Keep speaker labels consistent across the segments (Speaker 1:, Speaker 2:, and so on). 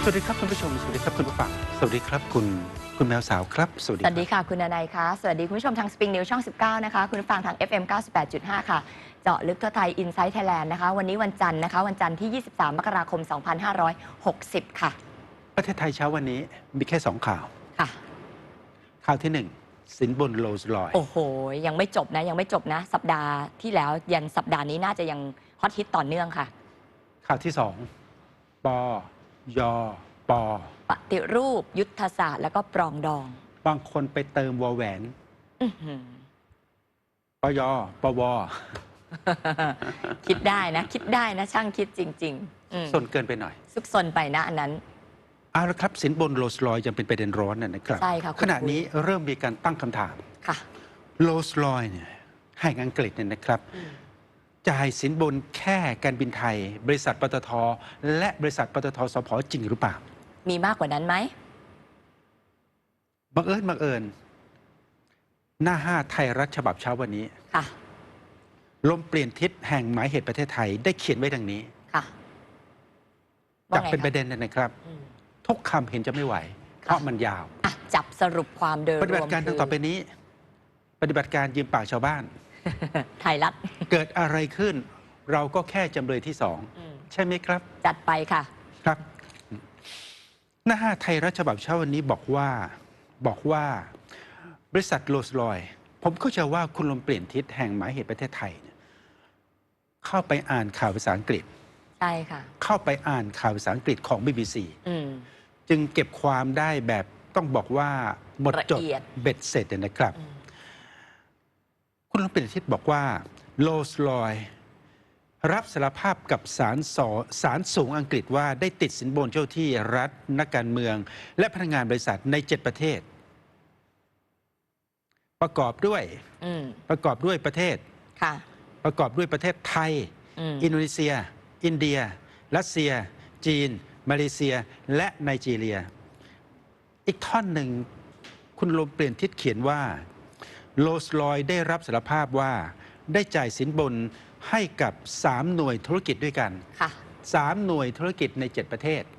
Speaker 1: วัสดีครับคุณผู้ชมสวัสดีครับคุณผู้ฟังสวัสดีครับคุณแมวสาวครับ
Speaker 2: สวัสดีค่ะคุณนายคะสวัสดีคุณผู้ชมทางสปริงนิวช่อง19นะคะคุณผู้ฟังทาง FM 98.5 ค่ะเจาะลึกทั่วไทย Inside Thailand นะคะวันนี้วันจันทร์นะคะวันจันทร์ที่23มกราคม2560ค่ะ
Speaker 1: ประเทศไทยเช้าวันนี้มีแค่2ข่าว
Speaker 2: ค่ะ
Speaker 1: ข่าวที่1สินบนโรลส์รอยซ์
Speaker 2: โอ้โหยังไม่จบนะสัปดาห์ที่แล้วยันสัปดาห์นี้น่าจะยังฮอตฮิตต่อเนื่องค่ะ
Speaker 1: ข่าวที่2ปยป
Speaker 2: ปฏิรูปยุทธศาสตร์แล้วก็ปรองดอง
Speaker 1: บางคนไปเติมวอแหวนปยปว
Speaker 2: คิดได้นะช่างคิดจริง
Speaker 1: ๆสนเกินไปหน่อย
Speaker 2: ซุกซนไปนะอันนั้น
Speaker 1: เอาละครับสินบนโรลส์รอยซ์ยังเป็นประเด็นร้อนนะครับ
Speaker 2: ใช่ค่ะ
Speaker 1: ขณะนี้เริ่มมีการตั้งคำถาม
Speaker 2: ค่ะ
Speaker 1: โรลส์รอยซ์เนี่ยแห่งอังกฤษเนี่ยนะครับจ่ายสินบนแค่การบินไทยบริษัทปตท.และบริษัทปตท.สผ.จริงหรือเปล่า
Speaker 2: มีมากกว่านั้นไหม
Speaker 1: บังเอิญหน้า5ไทยรัฐฉบับเช้าวันนี้
Speaker 2: ค่ะ
Speaker 1: ลมเปลี่ยนทิศแห่งหมายเหตุประเทศไทยได้เขียนไว้ดังนี้
Speaker 2: ค่ะ
Speaker 1: จับเป็นประเด็นนะครับทุกคำเห็นจะไม่ไหวเพราะมันยาว
Speaker 2: จับสรุปความโดยรวม
Speaker 1: ปฏิบัติการต่อไปนี้ปฏิบัติการยืมปากชาวบ้าน
Speaker 2: ไทยรัฐ
Speaker 1: เกิดอะไรขึ้นเราก็แค่จำเลยที่2ใช่ไหมครับ
Speaker 2: จัดไปค่ะ
Speaker 1: ครับหน้า5ไทยรัฐฉบับเช้าวันนี้บอกว่าบริษัทโรลส์รอยซ์ผมเข้าใจว่าคุณลมเปลี่ยนทิศแห่งหมายเหตุประเทศไทยเข้าไปอ่านข่าวภาษาอังกฤษ
Speaker 2: ใช่ค่ะ
Speaker 1: เข้าไปอ่านข่าวภาษาอังกฤษของ BBC จึงเก็บความได้แบบต้องบอกว่าหมดจดเบ็ดเสร็จนะครับคุณลมเปลี่ยนทิศบอกว่าโรลส์รอยซ์รับสารภาพกับศาลสูงอังกฤษว่าได้ติดสินบนเจ้าที่รัฐนักการเมืองและพนักงานบริษัทใน7ประเทศประกอบด้วยประเทศประกอบด้วยประเทศไทยอินโดนีเซียอินเดียรัสเซียจีนมาเลเซียและไนจีเรียอีกท่อนหนึ่งคุณลมเปลี่ยนทิศเขียนว่าโรลส์รอยซ์ได้รับสารภาพว่าได้จ่ายสินบนให้กับ3หน่วยธุรกิจด้วยกัน3หน่วยธุรกิจใน7ประเทศ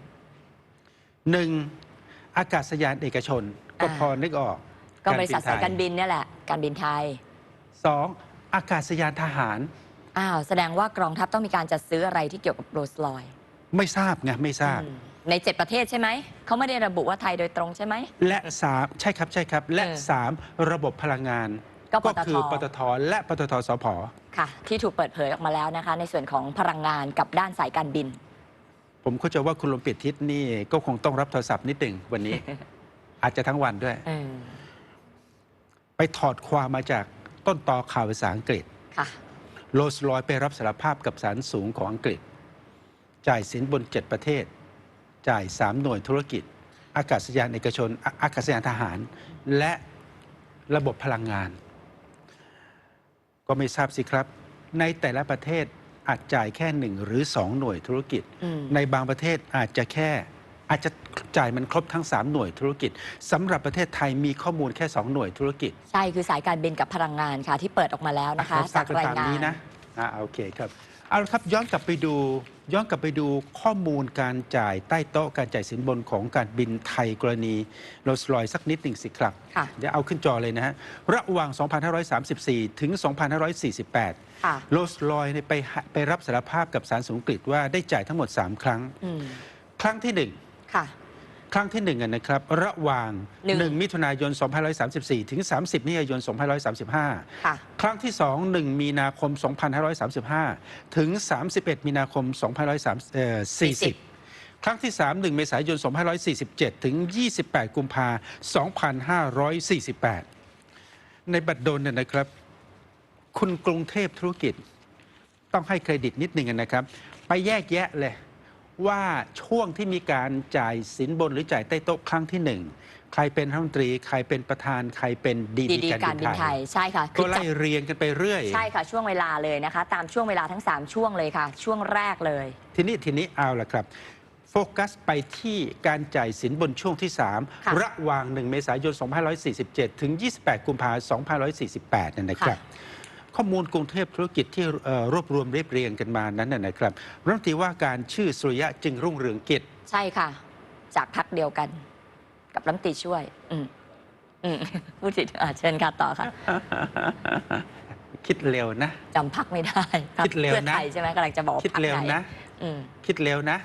Speaker 1: 1อากาศยานเอกชนก็พอนึกออก
Speaker 2: ก็บริษัทสายการบินนี่แหละการบินไทย
Speaker 1: 2อากาศยานทหาร
Speaker 2: แสดงว่ากองทัพต้องมีการจัดซื้ออะไรที่เกี่ยวกับโรลส์รอยซ์
Speaker 1: ไม่ทราบไงไม่ทราบ
Speaker 2: ใน7ประเทศใช่ไหมเขาไม่ได้ระบุว่าไทยโดยตรงใช่ไหม
Speaker 1: และ3ใช่ครับและ3ระบบพลังงานก็คือปตท.และปตท.สผ.
Speaker 2: ค่ะที่ถูกเปิดเผยออกมาแล้วนะคะในส่วนของพลังงานกับด้านสายการบิน
Speaker 1: ผมเข้าใจว่าคุณลมเปลี่ยนทิศนี่ก็คงต้องรับโทรศัพท์นิดหนึ่งวันนี้ อาจจะทั้งวันด้วยไปถอดความมาจากต้นตอข่าวภาษาอังกฤษโรลส์รอยซ์ไปรับสารภาพกับศาลสูงของอังกฤษจ่ายสินบน7ประเทศจ่าย3หน่วยธุรกิจอากาศยานเอกชนอากาศยานทหารและระบบพลังงานก็ไม่ทราบสิครับในแต่ละประเทศอาจจ่ายแค่1หรือ2หน่วยธุรกิจในบางประเทศอาจจะจ่ายมันครบทั้ง3หน่วยธุรกิจสำหรับประเทศไทยมีข้อมูลแค่2หน่วยธุรกิจ
Speaker 2: ใช่คือสายการบินกับพลังงานค่ะที่เปิดออกมาแล้วนะคะจากรายงาน
Speaker 1: นี้นะโอเคครับเอาละครับย้อนกลับไปดูข้อมูลการจ่ายใต้โต๊ะการจ่ายสินบนของการบินไทยกรณีโรลส์รอยซ์สักนิดหนึ่งสิครับเดี๋ยวเอาขึ้นจอเลยนะฮะระหว่าง 2534 ถึง 2548 โรลส์รอยซ์ไปรับสารภาพกับศาลสูงอังกฤษว่าได้จ่ายทั้งหมด3ครั้งครั้งที่ครั้งที่นะครับระหว่าง1มิถุนายน 2534 ถึง 30 มิถุนายน 2535 ครั้งที่1มีนาคม 2535 ถึง 31 มีนาคม 2540 ครั้งที่1เมษายน 2547 ถึง 28 กุมภาพันธ์ 2548 ในบัตรดลนะครับคุณกรุงเทพธุรกิจต้องให้เครดิตนิดหนึ่งนะครับไปแยกแยะเลยว่าช่วงที่มีการจ่ายสินบนหรือจ่ายใต้โต๊ะครั้งที่1ใครเป็นรัฐมนตรีใครเป็นประธานใครเป็นดี
Speaker 2: การบินไทยใช่ค่ะ
Speaker 1: ก็ไล่เรียงกันไปเรื่อย
Speaker 2: ใช่ค่ะช่วงเวลาเลยนะคะตามช่วงเวลาทั้ง3ช่วงเลยค่ะช่วงแรกเลย
Speaker 1: ทีนี้เอาละครับโฟกัสไปที่การจ่ายสินบนช่วงที่3ระหว่าง1เมษายน 2547 ถึง 28 กุมภาพันธ์ 2548 นะครับข้อมูลกรุงเทพธุรกิจที่รวบรวมเรียบเรียงกันมานั้นนะครับรัฐมนตรีว่าการชื่อสุริยะจึงรุ่งเรืองกิจ
Speaker 2: ใช่ค่ะ จากพรรคเดียวกัน กับรัฐมนตรีช่วย พูดถึงเชิญค่ะต่อค่ะ
Speaker 1: คิดเร็วนะ
Speaker 2: จำพรรคไม่ได้
Speaker 1: คิดเร็วนะ
Speaker 2: เพื่อไทยใช่ไหมกำลังจะบอก
Speaker 1: คิดเร็วนะคิดเร็วนะ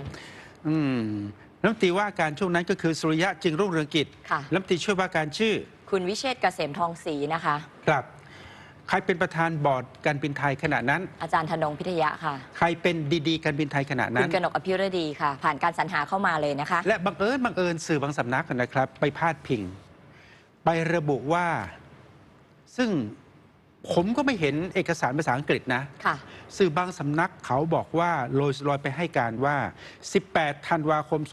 Speaker 1: รัฐมนตรีว่าการช่วงนั้นก็คือสุริยะจึงรุ่งเรืองกิจรัฐมนตรีช่วยว่าการชื่อ
Speaker 2: คุณวิเชษฐ์เกษมทองศรีนะคะ
Speaker 1: ครับใครเป็นประธานบอร์ดการบินไทยขณะนั้น
Speaker 2: อาจารย์ธนงพิทยะค่ะ
Speaker 1: ใครเป็นดีการบินไทยขณะนั้น
Speaker 2: คุณกนกอภิรดีค่ะผ่านการสรรหาเข้ามาเลยนะคะ
Speaker 1: และบังเอิญสื่อบางสำนักนะครับไปพาดพิงไประบุว่าซึ่งผมก็ไม่เห็นเอกสารภาษาอังกฤษนะสื่อบางสำนักเขาบอกว่าโรลส์รอยซ์ไปให้การว่า18ธันวาคม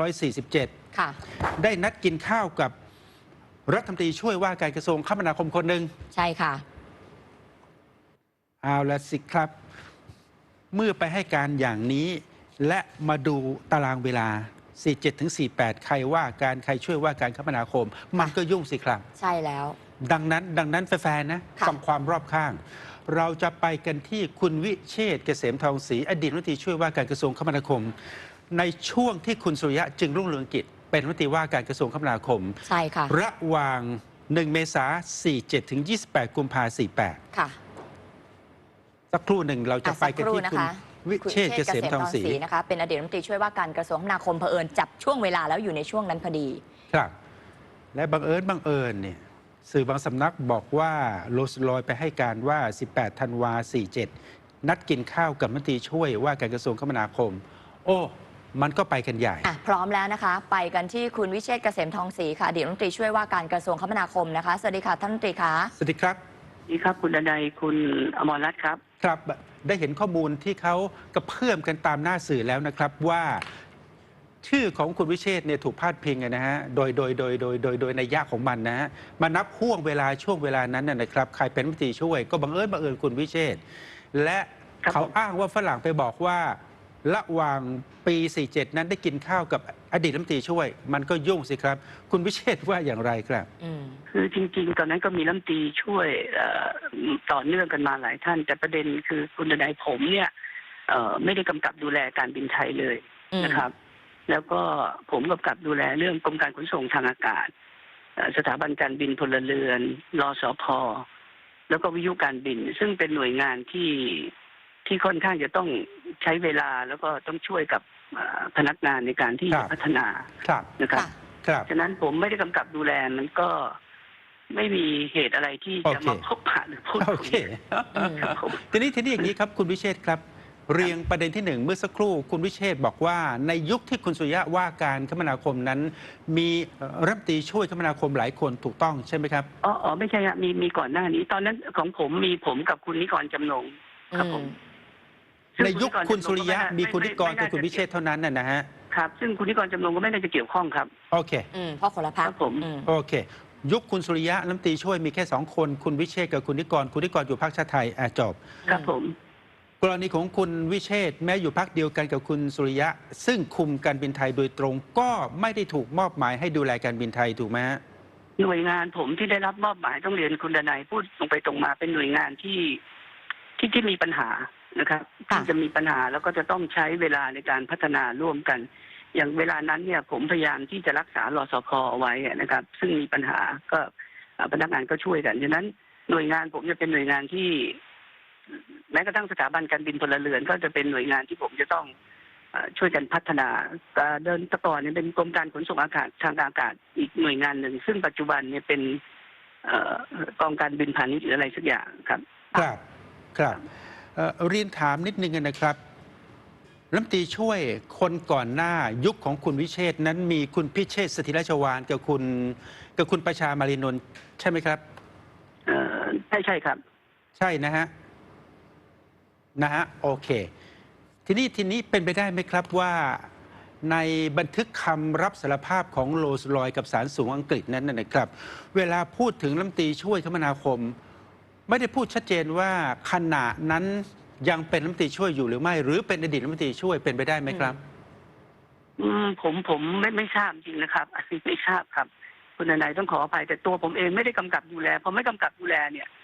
Speaker 1: 2547ได้นัดกินข้าวกับรัฐมนตรีช่วยว่าการกระทรวงคมนาคมคนหนึ่ง
Speaker 2: ใช่ค่ะ
Speaker 1: เอาละสิครับเมื่อไปให้การอย่างนี้และมาดูตารางเวลา47ถึง48ใครว่าการใครช่วยว่าการคมนาคมมันก็ยุ่งสิครับ
Speaker 2: ใช่แล้ว
Speaker 1: ดังนั้นแฟนๆนะฟังความรอบข้างเราจะไปกันที่คุณวิเชษฐ์เกษมทองศรีอดีตรัฐมนตรีช่วยว่าการกระทรวงคมนาคมในช่วงที่คุณสุริยะจึงรุ่งเรืองกิจเป็นรัฐมนตรีว่าการกระทรวงคมนาคม
Speaker 2: ใช่ค่ะ
Speaker 1: ระหว่าง1เมษายน47ถึง28กุมภาพันธ์48ค่ะสักครู่หนึ่งเราจะไปกันที่คุณวิเชษฐ์เกษมทองศรี
Speaker 2: นะคะเป็นอดีตรัฐมนตรีช่วยว่าการกระทรวงคมนาคมเผอิญจับช่วงเวลาแล้วอยู่ในช่วงนั้นพอดี
Speaker 1: ครับและบังเอิญเนี่ยสื่อบางสำนักบอกว่าโรลส์รอยซ์ไปให้การว่า18ธันวา47นัดกินข้าวกับรัฐมนตรีช่วยว่าการกระทรวงคมนาคมโอ้มันก็ไปกันใหญ่
Speaker 2: พร้อมแล้วนะคะไปกันที่คุณวิเชษฐ์เกษมทองศรีค่ะอดีตรัฐมนตรีช่วยว่าการกระทรวงคมนาคมนะคะสวัสดีค่ะท่านรัฐมนตรีคะ
Speaker 1: สวัสดีครับ
Speaker 3: สวัสดีครับคุณดนัยคุณอมรรัตน์ครับ
Speaker 1: ครับได้เห็นข้อมูลที่เขากระเพื่อมกันตามหน้าสื่อแล้วนะครับว่าชื่อของคุณวิเชษฐ์เนี่ยถูกพาดพิงนะฮะโดยในยะของมันนะฮะมานับช่วงเวลานั้นนะครับใครเป็นรัฐมนตรีช่วยก็บังเอิญคุณวิเชษฐ์และเขาอ้างว่าฝรั่งไปบอกว่าระหว่างปี47นั้นได้กินข้าวกับอดีตรัฐมนตรีช่วยมันก็ยุ่งสิครับคุณวิเชษฐ์ว่าอย่างไรครับ
Speaker 3: คือจริงๆตอนนั้นก็มีรัฐมนตรีช่วยต่อเนื่องกันมาหลายท่านแต่ประเด็นคือคุณดนัยผมเนี่ยไม่ได้กำกับดูแลการบินไทยเลยนะครับแล้วก็ผมกำกับดูแลเรื่องกรมการขนส่งทางอากาศสถาบันการบินพลเรือนรสพ.แล้วก็วิทยุการบินซึ่งเป็นหน่วยงานที่ค่อนข้างจะต้องใช้เวลาแล้วก็ต้องช่วยกับพนักงานในการที่จะพัฒนานะครับฉะนั้นผมไม่ได้กำกับดูแลมันก็ไม่มีเหตุอะไรที่จะมาพบปะหรือพูดคุย
Speaker 1: ทีนี้อย่างนี้ครับคุณวิเชษฐ์ครับเรียงประเด็นที่1เมื่อสักครู่คุณวิเชษฐ์บอกว่าในยุคที่คุณสุริยะว่าการคมนาคมนั้นมีรัฐมนตรีช่วยคมนาคมหลายคนถูกต้องใช่ไหมครับ
Speaker 3: อ๋อไม่ใช่ครับมีก่อนหน้านี้ตอนนั้นของผมมีผมกับคุณนิกรจำนงครับผม
Speaker 1: ในยุคคุณสุริยะมีคุณนิกรกับคุณวิเชษฐ์เท่านั้นนะฮะ
Speaker 3: ครับซึ่งคุณนิกรจำนงก็ไม่น่าจะเกี่ยวข้องครับ
Speaker 1: โอเค
Speaker 2: เพราะคนละพรรค
Speaker 3: ผม
Speaker 1: โอเคยุคคุณสุริยะรัฐมนตรีช่วยมีแค่2คนคุณวิเชษฐ์กับคุณนิกรอยู่พรรคชาติไทยจบ
Speaker 3: ครับผม
Speaker 1: กรณีของคุณวิเชษฐ์แม้อยู่พรรคเดียวกันกับคุณสุริยะซึ่งคุมการบินไทยโดยตรงก็ไม่ได้ถูกมอบหมายให้ดูแลการบินไทยถูกไหมฮะ
Speaker 3: หน่วยงานผมที่ได้รับมอบหมายต้องเรียนคุณดนัยพูดตรงไปตรงมาเป็นหน่วยงานที่มีปัญหานะครับที่จะมีปัญหาแล้วก็จะต้องใช้เวลาในการพัฒนาร่วมกันอย่างเวลานั้นเนี่ยผมพยายามที่จะรักษารสพ.เอาไว้นะครับซึ่งมีปัญหาก็พนักงานก็ช่วยกันฉะนั้นหน่วยงานผมจะเป็นหน่วยงานที่แม้กระทั่งสถาบันการบินพลเรือนก็จะเป็นหน่วยงานที่ผมจะต้องช่วยกันพัฒนาเดินตะก่อนเนี่ยเป็นกรมการขนส่งอากาศทางอากาศอีกหน่วยงานหนึ่งซึ่งปัจจุบันเนี่ยเป็นกองการบินพาณิชย์หรืออะไรสักอย่างครับ
Speaker 1: ครับเรียนถามนิดนึงนะครับรัฐมนตรีช่วยคนก่อนหน้ายุคของคุณวิเชษฐ์นั้นมีคุณพิเชษฐ์สถิรชวาลกับคุณประชามารีนนท์ใช่ไหมครับ
Speaker 3: ใช่ครับ
Speaker 1: ใช่นะฮะโอเคทีนี้เป็นไปได้ไหมครับว่าในบันทึกคำรับสารภาพของโรลส์รอยซ์กับศาลสูงอังกฤษนั้นนะครับเวลาพูดถึงรัฐมนตรีช่วยคมนาคมไม่ได้พูดชัดเจนว่าขณะนั้นยังเป็นรัฐมนตรีช่วยอยู่หรือไม่หรือเป็นอดีตรัฐมนตรีช่วยเป็นไปได้ไหมครับ
Speaker 3: ผมไม่ทราบจริงนะครับอันนี้ไม่ทราบครับคุณนายต้องขออภัยแต่ตัวผมเองไม่ได้กำกับดูแลพอไม่กำกับดูแลเนี่ย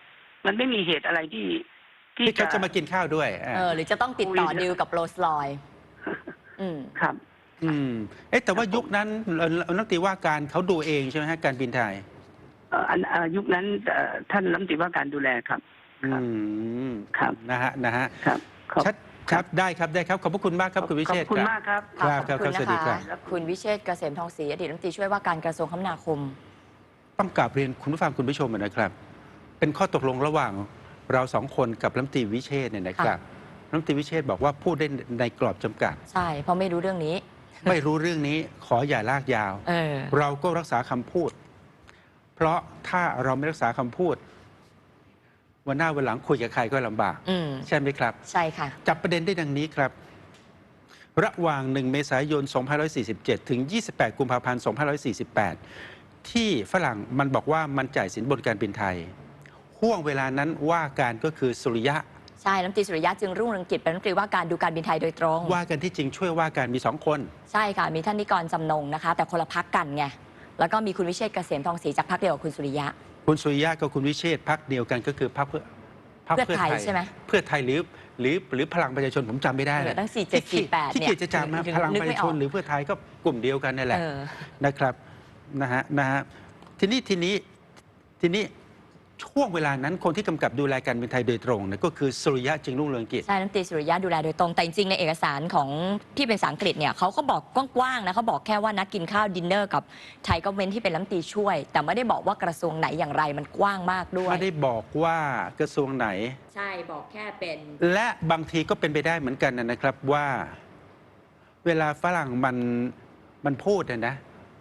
Speaker 3: มันไม่มีเหตุอะไรที่
Speaker 1: ที่เขาจะมากินข้าวด้วย
Speaker 2: หรือจะต้องติดต่อดีลกับโรลส์รอยซ์
Speaker 3: ครับ
Speaker 1: แต่ว่ายุคนั้นรัฐมนตรีว่าการเขาดูเองใช่ไหมฮะการบินไทย
Speaker 3: ยุคนั้นท่านรัฐมนตรีว่าการดูแลครับครับ
Speaker 1: นะฮะ
Speaker 3: ครับ
Speaker 1: ชัดครับได้ครับขอบพระคุณมากครับคุณวิเชษฐ์
Speaker 3: ขอบคุณมากครับ
Speaker 1: ครับสวัสดีครับ
Speaker 2: คุณวิเชษฐ์เกษมทองศรีอดีตรัฐมนตรีช่วยว่าการกระทรวงคมนาคม
Speaker 1: ต้องกราบเรียนคุณผู้ฟังคุณผู้ชมนะครับเป็นข้อตกลงระหว่างเราสองคนกับรัฐมนตรีวิเชษฐ์เนี่ยนะครับรัฐมนตรีวิเชษฐ์บอกว่าพูดได้ในกรอบจำกัด
Speaker 2: ใช่เพราะไม่รู้เรื่องนี้
Speaker 1: ไม่รู้เรื่องนี้ขออย่าลากยาวเราก็รักษาคำพูดเพราะถ้าเราไม่รักษาคำพูดวันหน้าวันหลังคุยกับใครก็ลำบากใช่ไหมครับ
Speaker 2: ใช่ค่ะ
Speaker 1: จับประเด็นได้ดังนี้ครับระหว่าง1เมษายน2547ถึง28กุมภาพันธ์2548ที่ฝรั่งมันบอกว่ามันจ่ายสินบนการบินไทยห่วงเวลานั้นว่าการก็คือสุริยะ
Speaker 2: ใช่รัฐมนตรีสุริยะจึงรุ่งเรืองกิจเป็นรัฐมนตรีว่าการดูการบินไทยโดยตรง
Speaker 1: ว่ากันที่จริงช่วยว่าการมี2คน
Speaker 2: ใช่ค่ะมีท่านนิกรจำนงนะคะแต่คนละพรรคกันไงแล้วก็มีคุณวิเชษฐ์เกษมทองศรีจากพรรคเดียวกับคุณสุริยะ
Speaker 1: คุณสุริยะกับคุณวิเชษฐ์พรรคเดียวกันก็คือพรรคเพื่อไทย
Speaker 2: ใช่ไหม
Speaker 1: เพื่อไทยหรือพลังประชาชนผมจำไม่ได้
Speaker 2: ตั้ง4748
Speaker 1: ที่เกียรติจะจำมาพลังประชาชนหรือเพื่อไทยก็กลุ่มเดียวกันนั่นแหละนะครับนะฮะทีนี้ช่วงเวลานั้นคนที่กำกับดูแลการบินไทยโดยตรงเนี่ยก็คือสุริยะจึงรุ่งเรืองกิจ
Speaker 2: ใช่รัฐมนตรีสุริยะดูแลโดยตรงแต่จริงๆในเอกสารของที่เป็นภาษาอังกฤษเนี่ยเขาก็บอกกว้างๆนะเขาบอกแค่ว่านัดกินข้าวดินเนอร์กับไทยก็เว้นที่เป็นรัฐมนตรีช่วยแต่ไม่ได้บอกว่ากระทรวงไหนอย่างไรมันกว้างมากด้วย
Speaker 1: ไม่ได้บอกว่ากระทรวงไหน
Speaker 2: ใช่บอกแค่เป็น
Speaker 1: และบางทีก็เป็นไปได้เหมือนกันนะครับว่าเวลาฝรั่งมันพูดนะ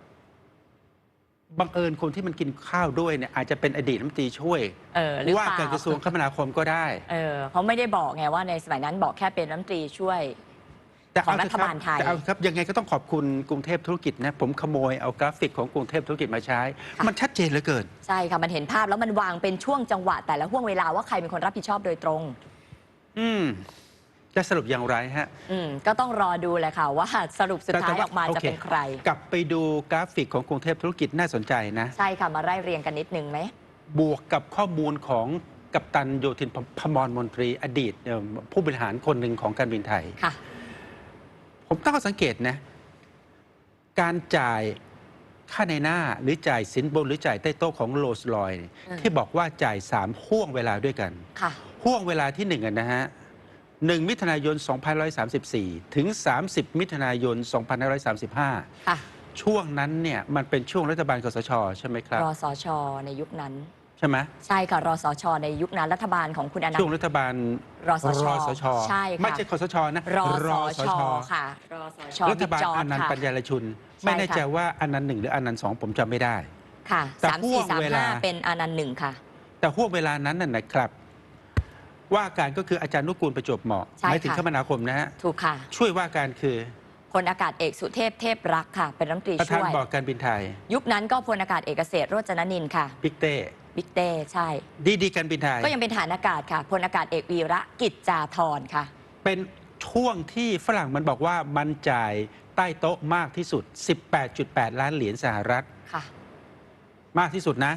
Speaker 1: บังเอิญคนที่มันกินข้าวด้วยเนี่ยอาจจะเป็นอดีตรัฐมนตรีช่วยว่าการกระทรวงคมนาคมก็ได้
Speaker 2: เขาไม่ได้บอกไงว่าในสมัยนั้นบอกแค่เป็นรัฐมนตรีช่วยของรัฐบาลไทย
Speaker 1: แต่เอาครับยังไงก็ต้องขอบคุณกรุงเทพธุรกิจนะผมขโมยเอากราฟิกของกรุงเทพธุรกิจมาใช้มันชัดเจนเหลือเกิน
Speaker 2: ใช่ค่ะมันเห็นภาพแล้วมันวางเป็นช่วงจังหวะแต่ละห่วงเวลาว่าใครเป็นคนรับผิดชอบโดยตรง
Speaker 1: จะสรุปอย่างไรฮะ
Speaker 2: ก็ต้องรอดูแหละค่ะว่าสรุปสุดท้ายออกมาจะเป็นใคร
Speaker 1: กลับไปดูกราฟิกของกรุงเทพธุรกิจน่าสนใจนะ
Speaker 2: ใช่ค่ะมาไล่เรียงกันนิดนึงไหม
Speaker 1: บวกกับข้อมูลของกัปตันโยธินพมรมนตรีอดีตผู้บริหารคนหนึ่งของการบินไทย
Speaker 2: ค่ะ
Speaker 1: ผมตั้งข้อสังเกตนะการจ่ายค่าในหน้าหรือจ่ายสินบนหรือจ่ายใต้โต๊ะของโรลส์รอยซ์ที่บอกว่าจ่าย3ห่วงเวลาด้วยกันห่วงเวลาที่1นะฮะ1 มิถุนายน 2534 ถึง 30 มิถุนายน 2535 ช่วงนั้นเนี่ยมันเป็นช่วงรัฐบาลคสช.ใช่ไหมครับ
Speaker 2: รสช.ในยุคนั้น
Speaker 1: ใช่ไหม
Speaker 2: ใช่ค่ะรสช.ในยุคนั้นรัฐบาลของคุณอนันต์
Speaker 1: ช่วงรัฐบาล
Speaker 2: รสช.ใช่
Speaker 1: ค่ะไม่ใช่คสช.นะ
Speaker 2: รสช.ค่ะรสช.
Speaker 1: รัฐบาลอนันต์ปัญญารชุนไม่แน่ใจว่าอนันต์1หรืออนันต์2ผมจำไม่ได้
Speaker 2: ค่ะ3435เป็นอนันต์1ค่ะ
Speaker 1: แต่ห่วงเวลานั้นน่ะนะครับว่าการก็คืออาจารย์นุกูลประจวบเหมาะหมายถึงคมนาคมนะฮะ
Speaker 2: ถูกค่ะ
Speaker 1: ช่วยว่าการคือ
Speaker 2: พลอากาศเอกสุเทพเทพรักษ์ค่ะเป็นรัฐมนตรีช่วย
Speaker 1: ประธานบอร์ดการบินไทย
Speaker 2: ยุคนั้นก็พลอากาศเอกเกษตรโรจนนินทร์ค่ะ
Speaker 1: บิ๊กเต้
Speaker 2: ใช่
Speaker 1: ดีการบินไทย
Speaker 2: ก็ยังเป็นฐานอากาศค่ะพลอากาศเอกวีระกิจจาธรค่ะ
Speaker 1: เป็นช่วงที่ฝรั่งมันบอกว่ามันจ่ายใต้โต๊ะมากที่สุด 18.8 ล้านเหรียญสหรัฐ
Speaker 2: ค่ะ
Speaker 1: มากที่สุดนะ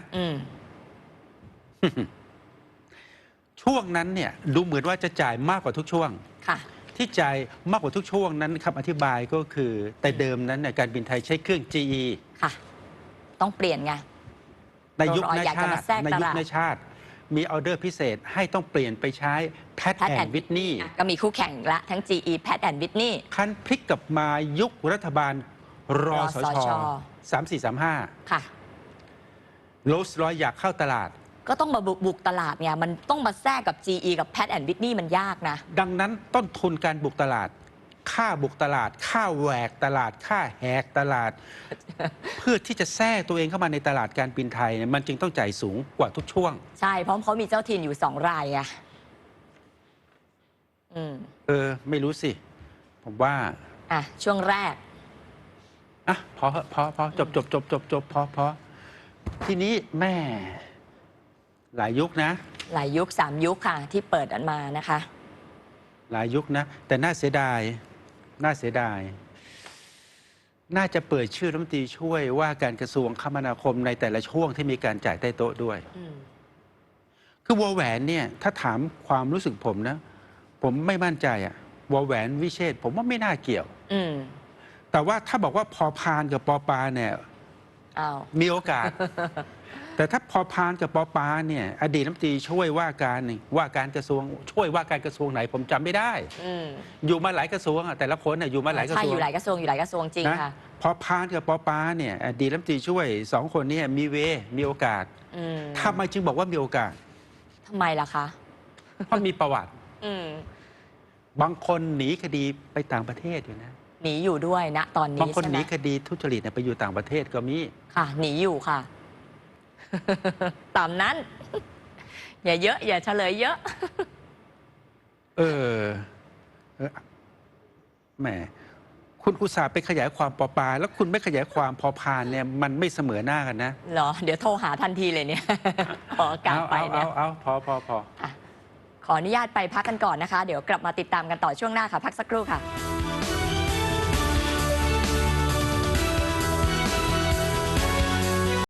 Speaker 1: ช่วงนั้นเนี่ยดูเหมือนว่าจะจ่ายมากกว่าทุกช่วงที่จ่ายมากกว่าทุกช่วงนั้นคำอธิบายก็คือแต่เดิมนั้นเนี่ยการบินไทยใช้เครื่อง GE
Speaker 2: ค่ะต้องเปลี่ยนไง
Speaker 1: ในยุคในชาติมีออเดอร์พิเศษให้ต้องเปลี่ยนไปใช้แพทแอนด์วิทนี
Speaker 2: ก็มีคู่แข่งละทั้ง GE แพทแอนด์วิทนี
Speaker 1: คันพลิกกลับมายุครัฐบาลรสช3435
Speaker 2: ค่ะ
Speaker 1: โรลส์รอยซ์อยากเข้าตลาด
Speaker 2: ก็ต้องมาบุกตลาดไงมันต้องมาแทรกกับ GE กับ Pratt and Whitney มันยากนะ
Speaker 1: ดังนั้นต้นทุนการบุกตลาดค่าบุกตลาดค่าแหวกตลาดค่าแหกตลาด เพื่อที่จะแทรกตัวเองเข้ามาในตลาดการบินไทยเนี่ยมันจึงต้องจ่ายสูงกว่าทุกช่วง
Speaker 2: ใช่เพราะเขามีเจ้าถิ่นอยู่2 รายไง
Speaker 1: ไม่รู้สิผมว่า
Speaker 2: ช่วงแรก
Speaker 1: พอจบพอทีนี้แม่หลายยุคนะ
Speaker 2: หลายยุค3 ยุคค่ะที่เปิดอันมานะคะ
Speaker 1: หลายยุคนะแต่น่าเสียดายน่าจะเปิดชื่อรัฐมนตรีช่วยว่าการกระทรวงคมนาคมในแต่ละช่วงที่มีการจ่ายใต้โต๊ะด้วยคือวอแหวนเนี่ยถ้าถามความรู้สึกผมนะ ผมไม่มั่นใจอะวอแหวนวิเชษฐ์ผมว่าไม่น่าเกี่ยว
Speaker 2: อืม
Speaker 1: แต่ว่าถ้าบอกว่าพอพานกับปอปาเนี่ย
Speaker 2: อ้าว
Speaker 1: มีโอกาส แต่ถ้าพอพานกับปอปาเนี่ยอดีตรัฐมนตรีช่วยว่าการนี่ว่าการกระทรวงช่วยว่าการกระทรวงไหนผมจำไม่ได้
Speaker 2: อืม
Speaker 1: อยู่มาหลายกระทรวงอะแต่ละคนน่ะอยู่มาหลายกระ
Speaker 2: ใช่
Speaker 1: ทรว
Speaker 2: อง ยู่หลายกระทรวงอยู่หลายกระทรวงจริง
Speaker 1: นะ
Speaker 2: ค่ะ
Speaker 1: พอพานกับปอปาเนี่ยอดีตรัฐมนตรีช่วยสองคนเนี้มีโอกาส
Speaker 2: อืม
Speaker 1: ทำไมจึงบอกว่ามีโอกาส
Speaker 2: ทำไมล่ะคะ
Speaker 1: เพราะมีประวัติ
Speaker 2: อืม
Speaker 1: บางคนหนีคดีไปต่างประเทศอยู่นะ
Speaker 2: หนีอยู่ด้วยนะตอนนี้
Speaker 1: บางคน
Speaker 2: ใช่
Speaker 1: ห
Speaker 2: ไหม
Speaker 1: นีคดีทุจริตเนี่ยไปอยู่ต่างประเทศก็มี
Speaker 2: ค่ะ หนีอยู่ค่ะ ตามนั้น อย่าเยอะ อย่าเฉลยเยอะ
Speaker 1: เออแหมคุณอุตส่าห์ไปขยายความปอปา แล้วคุณไม่ขยายความพอพานเนี่ยมันไม่เสมอหน้ากันนะ
Speaker 2: เหรอ เดี๋ยวโทรหาทันทีเลยเนี่ย ขอการไปเนี่ย
Speaker 1: เอาพอ
Speaker 2: ขออนุญาตไปพักกันก่อนนะคะ เดี๋ยวกลับมาติดตามกันต่อช่วงหน้าค่ะ พักสักครู่ค่ะ